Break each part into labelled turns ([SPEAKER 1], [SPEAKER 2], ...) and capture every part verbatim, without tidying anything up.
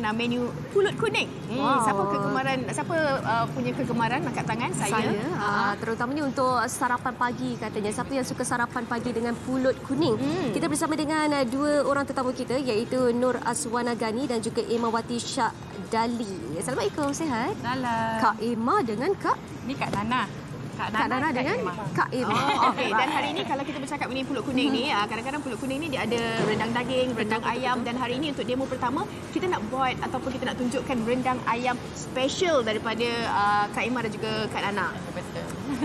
[SPEAKER 1] uh, menu pulut kuning. Hmm,
[SPEAKER 2] Wow.
[SPEAKER 1] Siapa kegemaran, siapa uh, punya kegemaran angkat tangan? Saya.
[SPEAKER 2] Saya, uh, terutamanya untuk sarapan pagi katanya. Siapa yang suka sarapan pagi dengan pulut kuning?
[SPEAKER 1] Hmm.
[SPEAKER 2] Kita bersama dengan uh, dua orang tetamu kita iaitu Nur Azwana Gani dan juga Emawati Shah Dali. Assalamualaikum, sihat?
[SPEAKER 3] Salam.
[SPEAKER 2] Kak Emma dengan Kak
[SPEAKER 3] Ni Kak Nana. Kak
[SPEAKER 2] Kak Nana dengan
[SPEAKER 3] Emma.
[SPEAKER 2] Kak Emma.
[SPEAKER 1] Oh, okey. Dan hari ini kalau kita bercakap mengenai pulut kuning ni, ah, kadang-kadang pulut kuning ni dia ada rendang daging, rendang ayam, dan hari ini untuk demo pertama kita nak buat ataupun kita nak tunjukkan rendang ayam special daripada uh, Kak Emma dan juga Kak Nana.
[SPEAKER 3] Betul.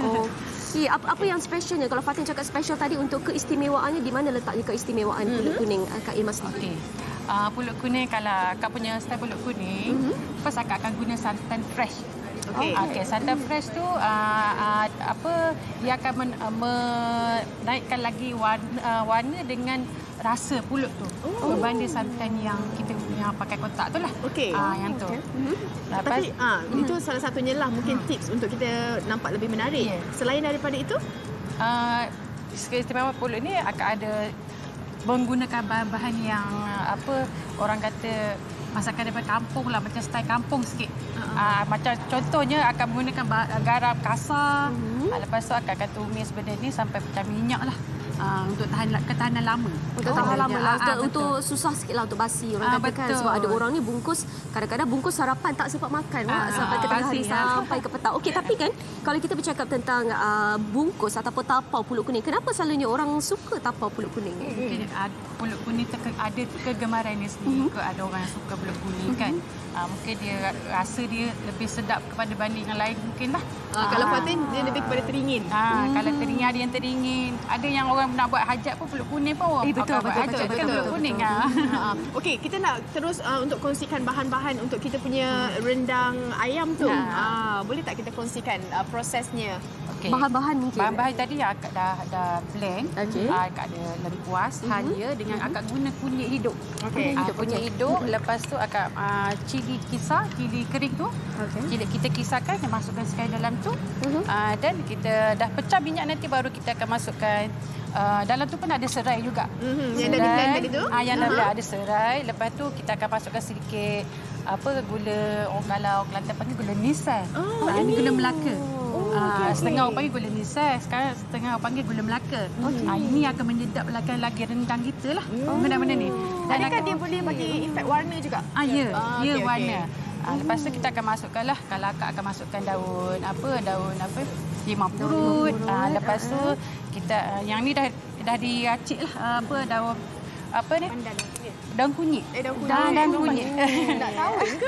[SPEAKER 2] Okey, apa, apa yang specialnya? Kalau Fatin cakap special tadi, untuk keistimewaannya, di mana letaknya keistimewaan
[SPEAKER 1] Mhm.
[SPEAKER 2] pulut kuning uh, Kak Emma sendiri?
[SPEAKER 3] Okey. Uh, pulut kuning, kalau Kak punya style pulut kuning,
[SPEAKER 2] Mhm.
[SPEAKER 3] first Kak akan guna santan fresh.
[SPEAKER 1] Okey.
[SPEAKER 3] Okey, santan fresh tu uh, uh, apa dia akan men, uh, menaikkan lagi warna, uh, warna dengan rasa pulut tu.
[SPEAKER 1] Oh.
[SPEAKER 3] Berbanding santan yang kita yang pakai kotak tu lah.
[SPEAKER 1] Okey.
[SPEAKER 3] Ah, yang tu.
[SPEAKER 2] Mhm.
[SPEAKER 3] Lepas,
[SPEAKER 1] Tapi ah, itu salah satunya lah mungkin tips untuk kita nampak lebih menarik.
[SPEAKER 3] Ya.
[SPEAKER 1] Selain daripada itu,
[SPEAKER 3] uh, keistimewaan pulut ni akan ada menggunakan bahan-bahan yang uh, apa orang kata masakan daripada kampung lah, macam style kampung sikit. Uh-huh. Uh, macam contohnya akan menggunakan ba- garam kasar.
[SPEAKER 2] Mhm.
[SPEAKER 3] Uh, lepas tu akan, akan tumis benda ni sampai pecah minyak lah. Uh, untuk tahan ketahanan lama.
[SPEAKER 2] Untuk
[SPEAKER 3] Oh,
[SPEAKER 2] tahan lama lah.
[SPEAKER 3] ah,
[SPEAKER 2] Untuk,
[SPEAKER 3] betul.
[SPEAKER 2] untuk susah sikit lah untuk basi. Orang
[SPEAKER 3] Ah,
[SPEAKER 2] kata kan.
[SPEAKER 3] betul.
[SPEAKER 2] Sebab ada orang ni bungkus, kadang-kadang bungkus sarapan tak sempat makan. Wak,
[SPEAKER 3] Ah,
[SPEAKER 2] sampai ke tengah hari,
[SPEAKER 3] pasti, ah.
[SPEAKER 2] sampai ke petang. Okey, tapi kan kalau kita bercakap tentang uh, bungkus ataupun tapau pulut kuning, kenapa selalunya orang suka tapau pulut kuning?
[SPEAKER 3] Mungkin uh, pulut kuning terke, ada kegemaran dia sendiri. Mm-hmm. Ada orang yang suka pulut kuning kan. Uh, mungkin dia rasa dia lebih sedap kepada banding yang lain mungkin lah.
[SPEAKER 1] ah, kalau Fatin dia lebih kepada teringin.
[SPEAKER 3] Ha, hmm. Kalau teringin, ada yang teringin. Ada yang orang nak buat hajat pun pulut kuning pun orang
[SPEAKER 2] Eh, betul,
[SPEAKER 3] akan buat
[SPEAKER 2] betul,
[SPEAKER 3] hajat
[SPEAKER 2] betul,
[SPEAKER 3] kan
[SPEAKER 2] betul,
[SPEAKER 3] pulut
[SPEAKER 2] betul,
[SPEAKER 3] kuning.
[SPEAKER 2] betul.
[SPEAKER 3] Ha.
[SPEAKER 1] Ha, okey, kita nak terus uh, untuk kongsikan bahan-bahan untuk kita punya rendang ayam tu.
[SPEAKER 3] Ha.
[SPEAKER 1] Ah, boleh tak kita kongsikan uh, prosesnya?
[SPEAKER 3] Okay.
[SPEAKER 2] Bahan-bahan mungkin.
[SPEAKER 3] Bahan-bahan tadi akak dah dah blend.
[SPEAKER 2] Okey.
[SPEAKER 3] Ah, akak ada lengkuas,
[SPEAKER 2] Mhm.
[SPEAKER 3] halia dengan akak guna kunyit hidup.
[SPEAKER 1] Okey.
[SPEAKER 3] Ah,
[SPEAKER 2] hidup,
[SPEAKER 3] kunyit
[SPEAKER 2] okey.
[SPEAKER 3] hidup. Lepas tu akak uh, cili kisar, cili kering tu.
[SPEAKER 2] Okey.
[SPEAKER 3] Cili kita kisarkan, kita masukkan sekali dalam tu.
[SPEAKER 2] Mhm.
[SPEAKER 3] Ah, dan kita dah pecah minyak, nanti baru kita akan masukkan uh, dalam tu pun ada serai juga.
[SPEAKER 1] Mhm, yang dah di-blend tadi tu?
[SPEAKER 3] Ah, yang dah
[SPEAKER 1] Aha.
[SPEAKER 3] blend ada serai. Lepas tu kita akan masukkan sedikit apa gula, orang kalau Kelantan panggil gula nisai.
[SPEAKER 1] Oh,
[SPEAKER 3] Ah, ini
[SPEAKER 1] ini.
[SPEAKER 3] gula Melaka.
[SPEAKER 1] Oh,
[SPEAKER 3] Ah,
[SPEAKER 1] okey, okey.
[SPEAKER 3] setengah orang panggil gula nisai, sekarang setengah orang panggil gula Melaka.
[SPEAKER 2] Okey.
[SPEAKER 3] Ah, ini akan menyedapkan lagi rendang kita lah. Benda-benda ni.
[SPEAKER 1] Adakah
[SPEAKER 3] akan-
[SPEAKER 1] dia boleh bagi efek warna juga?
[SPEAKER 3] Ah, ya,
[SPEAKER 1] Ah,
[SPEAKER 3] ya
[SPEAKER 1] okey,
[SPEAKER 3] warna.
[SPEAKER 1] okey.
[SPEAKER 3] Ah, lepas tu kita akan masukkan lah, kalau akak akan masukkan daun apa, daun apa, limau purut. Ah, lepas tu kita ah, yang ni dah dah diracik lah, ah, apa daun apa ni?
[SPEAKER 1] Pandan. Ya.
[SPEAKER 3] Daun kunyit.
[SPEAKER 1] Eh, daun kunyit.
[SPEAKER 3] Daun, daun
[SPEAKER 1] Daun
[SPEAKER 3] kunyit.
[SPEAKER 1] Tak tahu ke?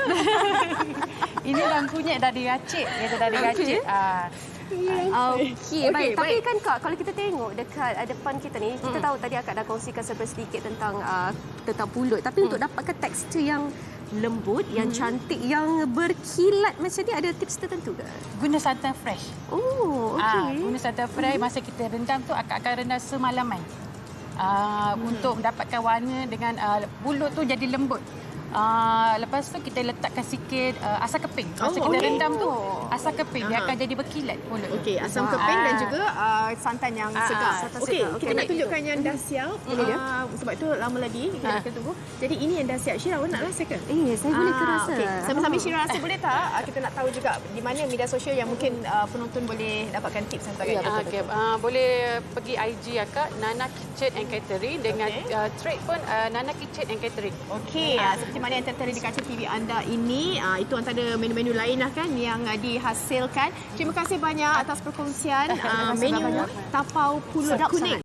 [SPEAKER 3] Ini daun kunyit dah diracik, dia dah diracik. Ah,
[SPEAKER 2] Okey,
[SPEAKER 1] Okey,
[SPEAKER 2] baik. Tapi
[SPEAKER 1] baik.
[SPEAKER 2] kan Kak, kalau kita tengok dekat uh, depan kita ni, kita tahu tadi Akak dah kongsikan sedikit tentang uh, tentang pulut. Tapi untuk dapatkan tekstur yang lembut, yang cantik, yang berkilat macam ni, ada tips tertentu ke?
[SPEAKER 3] guna santan fresh.
[SPEAKER 2] Oh,
[SPEAKER 3] Ah,
[SPEAKER 2] okey.
[SPEAKER 3] guna santan fresh, masa kita rendam tu akak akan rendam semalaman. Ah, untuk mendapatkan warna dengan ah, pulut tu jadi lembut. Ah, lepas tu kita letakkan sikit ah, asam keping. Masa
[SPEAKER 1] Oh,
[SPEAKER 3] kita
[SPEAKER 1] okey.
[SPEAKER 3] rendam tu asam keping, dia
[SPEAKER 1] Aha.
[SPEAKER 3] akan jadi berkilat pulut. tu.
[SPEAKER 1] Okey, asam
[SPEAKER 2] Ah.
[SPEAKER 1] keping dan juga uh, santan yang
[SPEAKER 3] Ah,
[SPEAKER 1] segar.
[SPEAKER 2] santan
[SPEAKER 1] Okey,
[SPEAKER 2] segar.
[SPEAKER 1] kita
[SPEAKER 2] Okey,
[SPEAKER 1] nak
[SPEAKER 2] baik.
[SPEAKER 1] tunjukkan yang dah siap.
[SPEAKER 2] Ini dia.
[SPEAKER 1] Ah, sebab itu lama lagi kita
[SPEAKER 3] Ah.
[SPEAKER 1] akan tunggu. Jadi ini yang dah siap. Syira, awak nak rasa ke?
[SPEAKER 2] Eh, saya boleh ke
[SPEAKER 1] Ah,
[SPEAKER 2] rasa?
[SPEAKER 1] okey. Sambil-sambil Syira rasa boleh tak? Ah, kita nak tahu juga di mana media sosial yang mungkin uh, penonton boleh dapatkan tips dan sebagainya.
[SPEAKER 3] Ah, okay. Ah, boleh pergi I G akak Nana Kitchen and Catering dengan
[SPEAKER 1] Okey.
[SPEAKER 3] ah, trade pun ah, Nana Kitchen and Catering.
[SPEAKER 1] Okey, ah, seperti mana yang tertera di kaca T V anda ini, ah, itu antara menu-menu lain lah kan yang ah, dihasilkan. Terima kasih banyak atas perkongsian ah,
[SPEAKER 2] Terima kasih
[SPEAKER 1] menu
[SPEAKER 2] banyak.
[SPEAKER 1] tapau pulut
[SPEAKER 2] Sedap
[SPEAKER 1] kuning.
[SPEAKER 2] sangat.